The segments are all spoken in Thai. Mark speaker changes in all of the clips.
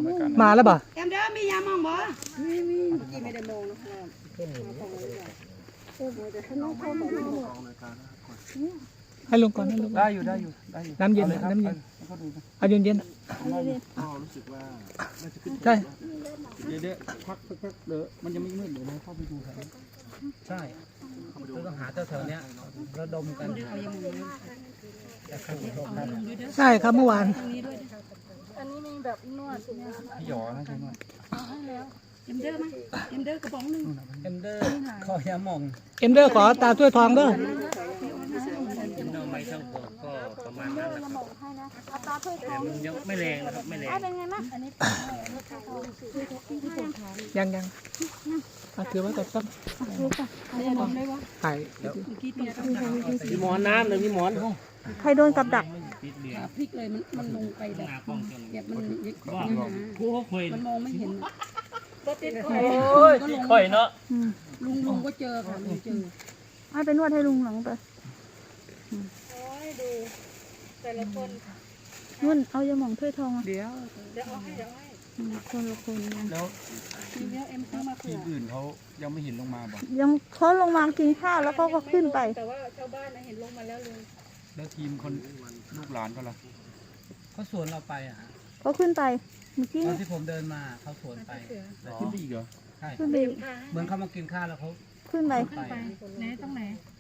Speaker 1: มาแล้วบ่
Speaker 2: เอ็มเด้อมียามองบ่มีกี่ไม่ได้มองนะครับ
Speaker 1: ให้ลุงก่อนให้ลุงได้อยู่น้ำเย็นน้ำเย็นเอาเย็น
Speaker 3: รู้สึกว่าน่าจะขึ้น
Speaker 1: ใช่
Speaker 3: เดี๋ยวพักเดี๋ยวมันยังไม่มืดเดี๋ยวเราเข้าไปดูกันใช่เราต้องหาแถวเนี้ยระดมกัน
Speaker 1: ใช่ครับเมื่อวาน
Speaker 2: อันนี้มีแบบนวด
Speaker 3: พี่หยอนะใช่ไหม
Speaker 2: เอ็มเด้อมั้ยเอ็มเด้อกระป๋องนึง
Speaker 3: เอ็มเดอร์คอยามอง
Speaker 1: เอ็มเดอร์ขอตาถ้วยทองเด้อ
Speaker 3: น้องไม้ช่างปอกก็ประมาณนั้นนะครับแต่มันยังไม่แรงนะครับไม่แรง
Speaker 2: เป็นไงมั้งอันนี้
Speaker 1: ยังถือไว้ก่อนต้องถ่าย
Speaker 3: มีหมอนน้ำหรือมีหมอน
Speaker 4: ใครโดนกับดัก
Speaker 2: พลิกเลยมันลงไปแบบแบบมัน
Speaker 3: ผู้คุย
Speaker 2: มันมองไม่เห็นก็ติด
Speaker 3: โอ้ยค่อยเนาะ
Speaker 2: ลุงก็เจอค่ะลุงเจอ
Speaker 4: ให้ไปนวดให้ลุงหลังไป
Speaker 2: โอ้ยดูแต่ละคน
Speaker 4: นุ่นเอายาหม่องถ้วยทอง
Speaker 1: เดี๋ยว
Speaker 2: เดี๋ยวเอาให้
Speaker 4: คนละคนนะ
Speaker 3: แล้ว
Speaker 2: ทีเดียวเอ็มซื้อมาเผื่
Speaker 3: ที
Speaker 2: อ
Speaker 3: มอื่นเขายังไม่เห็นลงมาบอก
Speaker 4: ยังเขาลงมากินข้าวแล้วเขาก็ขึ้นไป
Speaker 2: แต่ว่าชาวบ้านเห็นลงมาแล้วลุง
Speaker 3: แล้วทีมคนลูกหลานก็ล่ะ
Speaker 5: เขาสวนเราไปอ่ะ
Speaker 4: เขาขึ้นไปเมื่อกี้
Speaker 5: ตอนที่ผมเดินมาเขาสวนไป
Speaker 3: ขึ้นไปอีกเหรอ
Speaker 5: ใช่
Speaker 4: ขึ้นไป
Speaker 5: เหมือนเขามากินข้าวแล้วเขา
Speaker 4: ขึ้นไป
Speaker 5: ไป
Speaker 2: ไหนตรงไหน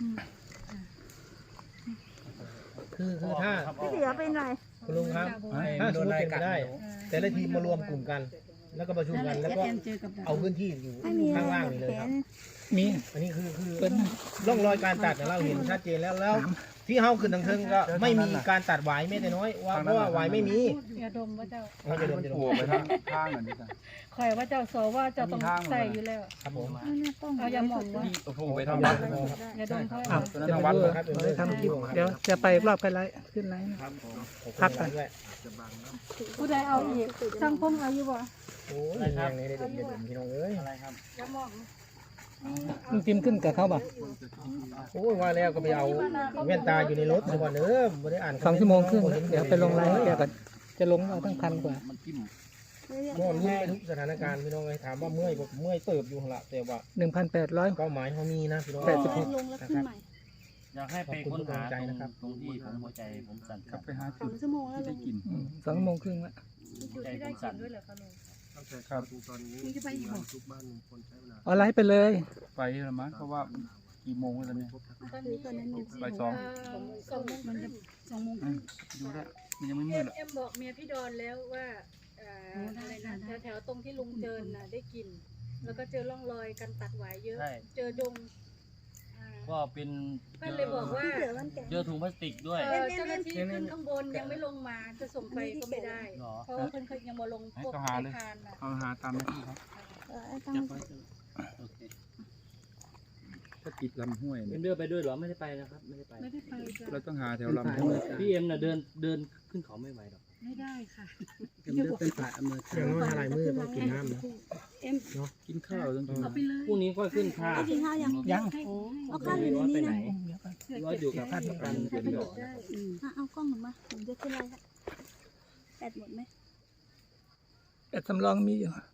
Speaker 6: คือถ้า
Speaker 4: พี่เสือเป็นไร
Speaker 6: คุณลุงครับถ้าสมมติเป็นไปได้ แต่ละทีมมารวมกลุ่มกัน แล้วก็ประชุมกันแล้วก็
Speaker 2: เอ็มเจอกับดัก
Speaker 6: เอาพื้นที่อยู่
Speaker 4: ไม่มีอะไร
Speaker 6: ข้างล่างนี่เลย
Speaker 4: แข
Speaker 6: ครับ
Speaker 4: น
Speaker 1: มี
Speaker 6: อันนี้คือร่องรอยการตัดเนี่ยเราเห็นชัดเจนแล้วที่เฮาขึ้นทางเทิงก็ไม่มีการตัดหวายแม้แต่น้อยว่าเพราะว่าหวายไม่มี
Speaker 2: อย่าดมว่าเจ้า
Speaker 6: เราจะโดนจะโด
Speaker 3: โผล่
Speaker 6: น
Speaker 3: ไปทางเหมือนกัน
Speaker 2: คอยว่าเจ้าสอว่าเจ้าต้องใส่อยู่แล้ว
Speaker 6: ครับผม
Speaker 2: เอายาหม่องว่า
Speaker 3: โอ้โหไปทำวัด
Speaker 2: อย่าดมเขา
Speaker 1: อ้าวจะไปดูทำคลิปเดี๋ยวจะไปรอบกันไลฟ์ขึ้นไลฟ์พักกัน
Speaker 6: ด้วย
Speaker 2: ผู้ใดเอาอีกช่างพงเอาอยู่บ่
Speaker 6: โอ้ยแรงในเด็ดเด็ดพี่น้องเอ้ย
Speaker 3: อะไรครับ
Speaker 2: ยาหม่อง
Speaker 1: ลุงจิมขึ้นกับเขาบ่
Speaker 6: โอ้ยว่าแล้วก็ไปเอาแว่นตาอยู่ในรถซะก่อนเด้อไม่ได้อ่าน
Speaker 1: 2 ชั่วโมงครึ่งเดี๋ยวไปลงไลฟ์ให้แกก่อนจะลงเอาตั้ง1,000 กว่า
Speaker 3: มันจิ้ม
Speaker 6: ม่วนลุ้นไปทุกสถานการณ์พี่น้องเลยถามว่าเมื่อยบ่เมื่อยเติบอยู่หั่นละแต่ว่า
Speaker 1: 1,800
Speaker 6: เป้าหมายเขามีนะพี่น้อง
Speaker 4: ลงแล้วขึ้นใหม่
Speaker 7: อยากให้ไปค้นหา
Speaker 6: ขอบคุณทุกกำลังใจนะครับ
Speaker 7: ตรงที่ผมหัวใจผมสั่น
Speaker 3: กลับไปหา
Speaker 4: สองชั่วโมงแล้ว
Speaker 3: ที่
Speaker 4: ล
Speaker 3: ได้
Speaker 4: ง
Speaker 3: กิน
Speaker 1: 2 ชั่วโมงครึ่งละ
Speaker 7: ใจผมสั่น
Speaker 3: ครับ
Speaker 2: มึงจะไปอีกบ่
Speaker 1: เอาไลฟ์ไปเลย
Speaker 3: ไปแล้วมั้งเพราะว่ากี่โมงแล้วเนี่ย
Speaker 2: ตอนนี้
Speaker 3: บ่ายสอง
Speaker 2: 2 โมงมันจะ2 โมง
Speaker 3: ดูแล้วมันยังไม่มืดหรอก
Speaker 8: เอ็มบอกเมียพี่ดอนแล้วว่าอะไรนะแถวๆตรงที่ลุงเจินน่ะได้กลิ่นแล้วก็เจอร่องรอยการตัดหวายเยอะ
Speaker 7: ใช่
Speaker 8: เจอดงอ่า
Speaker 7: ก็เป็น
Speaker 8: เพื่อนเลยบอกว่า
Speaker 4: พี่เสือมันแก่
Speaker 7: เจอถุงพลาสติกด้วย
Speaker 8: เจ้าหน้าที่ขึ้นข้างบนยังไม่ลงมาจะส่งไปก็ไม่ได้
Speaker 7: หรอ
Speaker 8: เพราะว่าเพื่อนเขายังมาลง
Speaker 3: ให้
Speaker 8: พวก
Speaker 3: เขาหาเลย
Speaker 8: ทานน่ะ
Speaker 3: เอาหาตามหน้าที่ครับ
Speaker 4: ตั้ง
Speaker 7: จับไว้โอเค
Speaker 3: ก็ติดลำห้วย
Speaker 7: เอ็
Speaker 3: เนี่ย
Speaker 7: มเดินไปด้วยเหรอไม่ได้ไปนะครับไม่ได้ไป
Speaker 8: ไม่ได้ไปจ้ะ
Speaker 3: เราต้องหาแถวลำห้วย
Speaker 7: พี่เอ็มน่ะเดินขึ้นเขาไม่ไหวหรอก
Speaker 8: ไม่ได้ค่ะ
Speaker 6: อย่างน้อยอะไรมือต้องกินน้ำนะ
Speaker 3: กินข้าวต้องกิน
Speaker 8: เอาไปเลย
Speaker 7: พรุ่งนี้ก็ขึ้นค่า
Speaker 4: เอากินข้าวยัง
Speaker 1: ยัง
Speaker 4: เอาข้าวอยู่ในนี้นะ
Speaker 7: ร้อยอยู่กับท่านประกัน
Speaker 8: ถ้าไปบอกได้
Speaker 4: เอากล้องหนูมาผมจะขึ้นไลน์แปดหมดไหม
Speaker 1: แต่สำรองมีอยู่